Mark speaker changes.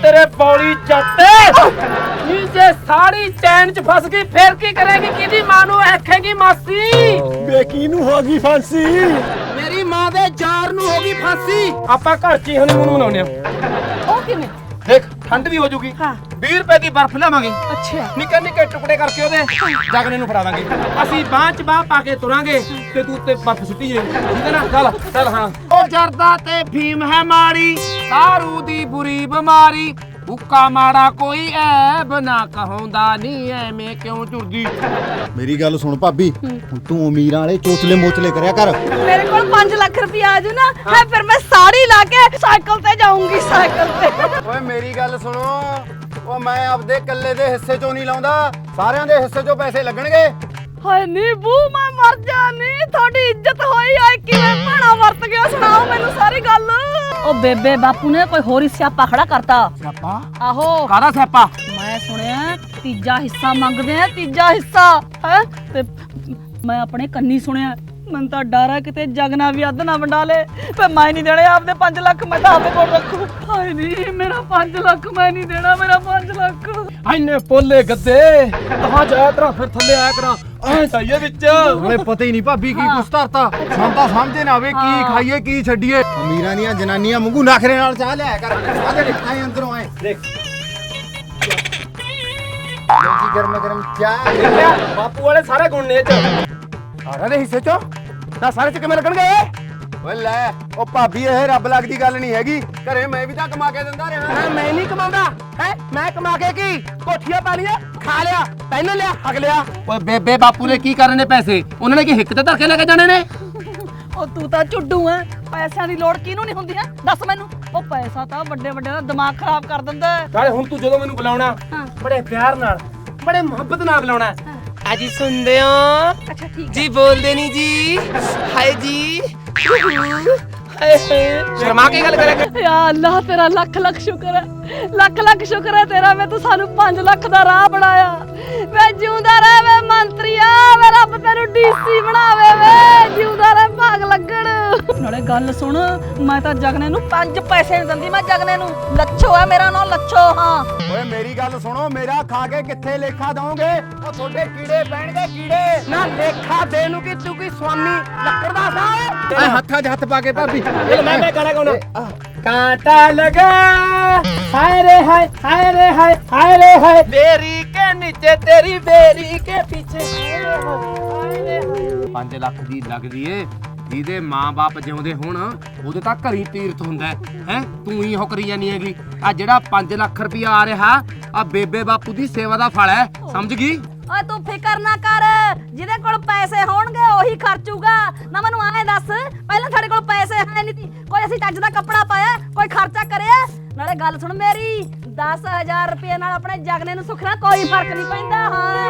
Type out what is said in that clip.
Speaker 1: तेरे बौली जाते जे साड़ी चैन च फस गई फिर की करेगी किदी मां नू आखेगी मासी
Speaker 2: बेकी नू होगी फांसी
Speaker 1: मेरी मां दे जार नू होगी फांसी ਆਪਾਂ ਘਰ ਚ ਹੀ ਹਨੀਮੂਨ ਮਨਾਉਂਦੇ ਆ
Speaker 3: ਉਹ ਕਿਵੇਂ
Speaker 1: ਦੇਖ ਠੰਡ ਵੀ ਹੋ ਜੂਗੀ
Speaker 3: ਹਾਂ
Speaker 1: 20 ਰੁਪਏ ਦੀ ਬਰਫ਼ ਲਾਵਾਂਗੇ
Speaker 3: ਅੱਛਾ
Speaker 1: ਨਿੱਕੇ ਨਿੱਕੇ ਟੁਕੜੇ ਕਰਕੇ ਉਹਦੇ ਜਗਨੇ ਨੂੰ ਫੜਾ ਦਾਂਗੇ ਅਸੀਂ ਬਾਂਹ ਚ ਬਾਂਹ ਪਾ ਕੇ ਤੁਰਾਂਗੇ ਤੇ ਤੂੰ ਉੱਤੇ ਬਰਫ਼ ਸੁੱਟੀ ਜੇ ਠੀਕ ਹੈ ਨਾ ਚੱਲ ਚੱਲ ਹਾਂ ਉਹ ਜਰਦਾ ਤੇ ਫੀਮ ਹੈ ਮਾੜੀ दारू ਦੀ ਬੁਰੀ ਬਿਮਾਰੀ ਹੁੱਕਾ ਮਾੜਾ ਕੋਈ ਐਬ ਨਾ ਕਹੋਂਦਾ ਨਹੀਂ ਐਵੇਂ ਕਿਉਂ ਝੁਰਦੀ
Speaker 2: ਮੇਰੀ ਗੱਲ ਸੁਣ ਭਾਬੀ ਹੁਣ ਤੂੰ ਅਮੀਰਾਂ ਵਾਲੇ ਚੋਚਲੇ ਮੋਚਲੇ ਕਰਿਆ ਕਰ
Speaker 3: ਮੇਰੇ ਕੋਲ 5 ਲੱਖ ਰੁਪਇਆ ਆ ਜੂ ਨਾ ਹੈ ਫਿਰ ਮੈਂ ਸਾੜੀ ਲਾ ਕੇ ਸਾਈਕਲ ਤੇ ਜਾਊਂਗੀ ਸਾਈਕਲ ਤੇ
Speaker 2: ਓਏ ਮੇਰੀ ਗੱਲ ਸੁਣੋ ਉਹ ਮੈਂ ਆਪਦੇ ਇਕੱਲੇ ਦੇ ਹਿੱਸੇ ਚੋਂ ਨਹੀਂ ਲਾਉਂਦਾ ਸਾਰਿਆਂ ਦੇ ਹਿੱਸੇ ਚੋਂ ਪੈਸੇ ਲੱਗਣਗੇ
Speaker 3: ਹਾਏ ਨੀ ਬੂ ਮੈਂ ਮਰ ਜਾਣੀ ਤੁਹਾਡੀ ਇੱਜ਼ਤ ਹੋਈ ਆਏ ਕਿਵੇਂ ਭਾਣਾ ਵਰਤ ਗਿਆ ਸੁਣਾਓ ਮੈਨੂੰ ਸਾਰੀ ਗੱਲ ਉਹ ਬੇਬੇ ਬਾਪੂ ਨੇ ਕੋਈ ਹੋਰ ਹੀ ਸਿਆਪਾ ਖੜਾ ਕਰਤਾ
Speaker 1: ਸਿਆਪਾ
Speaker 3: ਆਹੋ
Speaker 1: ਕਾਹਦਾ ਸਿਆਪਾ
Speaker 3: ਮੈਂ ਸੁਣਿਆ ਤੀਜਾ ਹਿੱਸਾ ਮੰਗਦੇ ਆ ਤੀਜਾ ਹਿੱਸਾ ਹੈ ਤੇ ਮੈਂ ਆਪਣੇ ਕੰਨੀ ਸੁਣਿਆ ਮੈਨੂੰ ਤਾਂ ਡਰ ਹੈ ਕਿਤੇ ਜਗਨਾ ਵੀ ਅੱਧ ਨਾ ਵੰਡਾ ਲੇ ਤੇ ਮੈਂ ਨਹੀਂ ਦੇਣੇ ਆਪਦੇ 5 ਲੱਖ ਮੈਂ ਤਾਂ ਆਪਦੇ ਕੋਲ ਰੱਖੂ ਹਾਏ ਨਹੀਂ ਮੇਰਾ 5 ਲੱਖ ਮੈਂ ਨਹੀਂ ਦੇਣਾ ਮੇਰਾ 5 ਲੱਖ
Speaker 1: ਐਨੇ ਪੋਲੇ ਗੱਦੇ ਕਹਾਂ ਜਾਇਆ ਕਰਾਂ ਫਿਰ ਥੱਲੇ ਆਇਆ ਕਰਾਂ ਐ ਚਾਹੀਏ ਵਿੱਚ
Speaker 2: ਹਲੇ ਪਤਾ ਹੀ ਨਹੀਂ ਭਾਬੀ ਕੀ ਕੁਛ ਧਰਤਾ ਸਾਨੂੰ ਤਾਂ ਸਮਝੇ ਨਾ ਆਵੇ ਕੀ ਖਾਈਏ ਕੀ ਛੱਡੀਏ ਅਮੀਰਾਂ ਦੀਆਂ ਜਨਾਨੀਆਂ ਵਾਂਗੂ ਨਖਰੇ ਨਾਲ ਚਾਹ ਲਿਆ ਕਰ ਆ ਦੇ ਆਏ ਅੰਦਰੋਂ ਆਏ
Speaker 1: ਦੇਖ
Speaker 2: ਕੀ ਗਰਮ ਗਰਮ ਚਾਹ
Speaker 1: ਦੇਖਿਆ ਬਾਪੂ ਵਾਲੇ ਸਾਰੇ ਗੁਣ ਨੇ ਇਹ ਚ
Speaker 2: ਸਾਰਿਆਂ ਦੇ ਹਿੱਸੇ ਚੋਂ ਤਾਂ ਸਾਰੇ ਚ ਕਿਵੇਂ ਲੱਗਣਗੇ ਓਏ ਲੈ ਉਹ ਭਾਬੀ ਇਹ ਰੱਬ ਲੱਗਦੀ ਗੱਲ ਨਹੀਂ ਹੈਗੀ ਘਰੇ ਮੈਂ ਵੀ ਤਾਂ ਕਮਾ ਕੇ ਦਿੰਦਾ ਰਿਹਾ
Speaker 1: ਮੈਂ ਨਹੀਂ ਕਮਾਉਂਦਾ ਹੈ ਮੈਂ ਕਮਾ ਕੇ ਕੀ ਕੋਠੀਆਂ ਪਾ ਲੀਆਂ ਖਾ ਲਿਆ ਪਹਿਨ ਲਿਆ ਹਗ ਲਿਆ ਓਏ ਬੇਬੇ ਬਾਪੂ ਨੇ ਕੀ ਕਰਨੇ ਪੈਸੇ ਉਹਨਾਂ ਨੇ ਕੀ ਹਿੱਕ ਤੇ ਧਰ ਕੇ ਲੈ ਕੇ ਜਾਣੇ ਨੇ
Speaker 3: ਉਹ ਤੂੰ ਤਾਂ ਝੁੱਡੂ ਐ ਪੈਸਿਆਂ ਦੀ ਲੋੜ ਕਿਹਨੂੰ ਨਹੀਂ ਹੁੰਦੀ ਹੈ ਦੱਸ ਮੈਨੂੰ ਉਹ ਪੈਸਾ ਤਾਂ ਵੱਡੇ ਵੱਡੇ ਦਾ ਦਿਮਾਗ ਖਰਾਬ ਕਰ ਦਿੰਦਾ
Speaker 1: ਨਾਲੇ ਹੁਣ ਤੂੰ ਜਦੋਂ ਮੈਨੂੰ ਬੁਲਾਉਣਾ
Speaker 3: ਹਾਂ
Speaker 1: ਬੜੇ ਪਿਆਰ ਨਾਲ ਬੜੇ ਮੁਹੱਬਤ ਨਾਲ ਬੁਲਾਉਣਾ ਆਜੀ ਸੁਣਦੇ ਹੋ
Speaker 3: ਅੱਛਾ ਠੀਕ
Speaker 1: ਜੀ ਬੋਲਦੇ ਨਹੀਂ ਜੀ ਹਾਏ ਜੀ ਹਾਏ ਸ਼ਰਮਾ ਕੇ ਗੱਲ ਕਰਿਆ ਕਰ
Speaker 3: ਯਾ ਅੱਲਾਹ ਤੇਰਾ ਲੱਖ ਲੱਖ ਸ਼ੁਕਰ ਹੈ ਲੱਖ ਲੱਖ ਸ਼ੁਕਰ ਹੈ ਤੇਰਾ ਮੈਂ ਤੂੰ ਸਾਨੂੰ 5 ਲੱਖ ਦਾ ਰਾਹ ਬਣਾਇਆ ਵੇ ਜਿਉਂਦਾ ਰਹਿ ਵੇ ਮੰਤਰੀਆ ਵੇ ਰੱਬ ਤੈਨੂੰ ਡੀਸੀ ਬਣਾਵੇ ਵੇ ਜਿਉਂਦਾ ਰਹਿ ਭਾਗ ਲੱਗਣ ਨਾਲੇ ਗੱਲ ਸੁਣ ਮੈਂ ਤਾਂ ਜਗਨੇ ਨੂੰ 5 ਪੈਸੇ ਨਹੀਂ ਦਿੰਦੀ ਮੈਂ ਜਗਨੇ ਨੂੰ ਲੱਛੋ ਹੈ ਮੇਰਾ ਨਾਂ ਲੱਛੋ ਹਾਂ
Speaker 2: ਓਏ ਮੇਰੀ ਗੱਲ ਸੁਣੋ ਮੇਰਾ ਖਾ ਕੇ ਕਿੱਥੇ ਲੇਖਾ ਦੋਗੇ ਉਹ ਤੁਹਾਡੇ ਕੀੜੇ ਪੈਣਗੇ ਕੀੜੇ
Speaker 1: ਨਾ ਲੇਖਾ ਦੇ ਨੂੰ ਕਿ ਤੂੰ ਕੀ ਸਵਾਮੀ ਲੱਕੜ ਦਾ
Speaker 2: ਐ ਹੱਥਾਂ 'ਚ ਹੱਥ ਪਾ ਕੇ ਭਾਬੀ
Speaker 1: ਚਲ ਮੈਂ ਗਾਣਾ ਗਾਉਣਾ कांटा लगा हाय रे हाय हाय रे हाय हाय रे हाय बेरी के नीचे तेरी बेरी के पीछे हाय रे हाय 5 ਲੱਖ ਦੀ ਲੱਗਦੀ ਏ ਜਿਹਦੇ ਮਾਂ-ਬਾਪ ਜਿਉਂਦੇ ਹੋਣ ਉਹਦੇ ਤਾਂ ਘਰੀ ਤੀਰਥ ਹੁੰਦਾ ਹੈ ਤੂੰ ਹੀ ਉਹ ਕਰੀ ਜਾਨੀ ਹੈਗੀ ਆ ਜਿਹੜਾ 5 ਲੱਖ ਰੁਪਇਆ ਆ ਰਿਹਾ ਆ ਬੇਬੇ ਬਾਪੂ ਦੀ ਸੇਵਾ ਦਾ ਫਲ ਹੈ ਸਮਝ ਗਈ
Speaker 3: ਓਏ ਤੂੰ ਫਿਕਰ ਨਾ ਕਰ ਜਿਹਦੇ ਕੋਲ ਪੈਸੇ ਹੋਣਗੇ ਉਹੀ ਖਰਚੂਗਾ ਨਾ ਮੈਨੂੰ ਐਂ ਦੱਸ ਪਹਿਲਾਂ ਸਾਡੇ ਕੋਲ ਪੈਸੇ ਹੈ ਨਹੀਂ ਸੀ ਕੋਈ ਅਸੀਂ ਚੱਜ ਦਾ ਕੱਪੜਾ ਪਾਇਆ ਕੋਈ ਖਰਚਾ ਕਰਿਆ ਨਾਲੇ ਗੱਲ ਸੁਣ ਮੇਰੀ 10000 ਰੁਪਏ ਨਾਲ ਆਪਣੇ ਜਗਨੇ ਨੂੰ ਸੁਖਣਾ ਕੋਈ ਫਰਕ ਨਹੀਂ ਪੈਂਦਾ ਹਾਂ